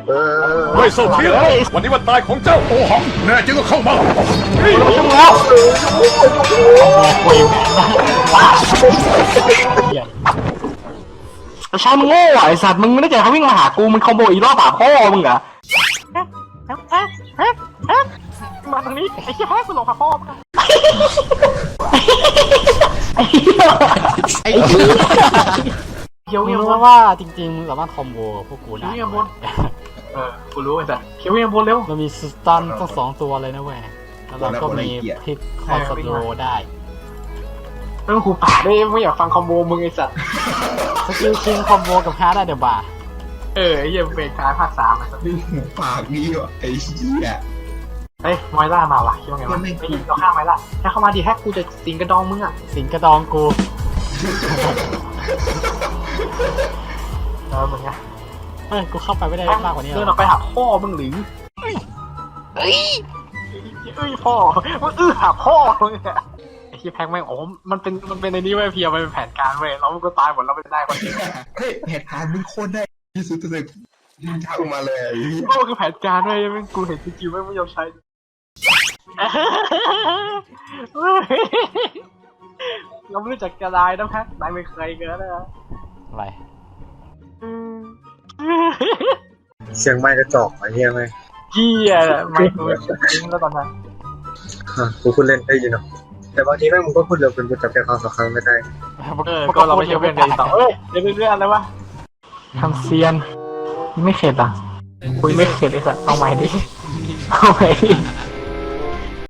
ไม่โซเทียวันนี้วันตายของเจ้าโอหังแน่จริงก็เข้ามาแล้วใช่มึงโง่ไอ้สัตว์มึงไม่ได้ใจเขาวิ่งมาหากูมันคอมโบอีรอบป่าพ่อมึงเหรอมาตรงนี้ไอ้เหี้ยแฮกกูหลงหาพ่อมึงไอ้เหี้ยเขียวเงียบว่าจริงๆสามารถคอมโบพวกกูได้เงียบบนกูรู้ไอ้สัตว์เขียวเงียบบนเร็วมันมีสตันทั้ง2ตัวเลยนะเว้ยแล้วเราก็มีพลิกคอนสโลได้เรื่องกูป่าได้ไม่อยากฟังคอมโบมึงไอ้สัตว์สกิลคิงคอมโบกับฮาร์ดได้เดี๋ยวบ่าไอ้เหี้ยเป็นการภาค3ไอ้สัตว์ปากนี้วะไอ้เหี้ยเฮ้ยไมล่ามาว่ะคิดว่าไงวะไม่ดีเราฆ่าไมล่าถ้าเข้ามาดีแฮกกูจะสิงกระดองมึงอ่ะสิงกระดองกูมึงไงเฮ้ยกูเข้าไปไม่ได้มากกว่านี้เดินออกไปหาพ่อมึงหรือเฮ้ยพ่อมึงหาพ่อมึงอะไอ้ที่แพ็กแม่งโอ้มันเป็นในนี้ไว้เพียมันเป็นแผนการเว้ยแล้วมันก็ตายหมดแล้วไม่ได้คนเดียวเฮ้ยแผนการมึงโคตรได้ที่สุดเลยช่างมาเลยโอ้คือแผนการเว้ยมึงกูเห็นจริงๆไม่ยอมใช้เราไม่รู้จักกระไดนะแพ็กนายไม่เคยเกินนะอะไรเสียงไม้กระจอกไอ้เหี้ยไหมเหี้ยไม่กูจริงแล้วตอนนั้นกูพูดเล่นได้ยินเนาะแต่บางทีแม่งมึงก็พูดเร็วเป็นกูจับใจความสำคัญไม่ได้ก็เราไม่ใช่เพื่อนกันต่อเรื่องอะไรวะทำเซียนไม่เข็ดอ่ะคุยไม่เข็ดเลยสัตว์เอาใหม่ดิเอาใหม่ดิ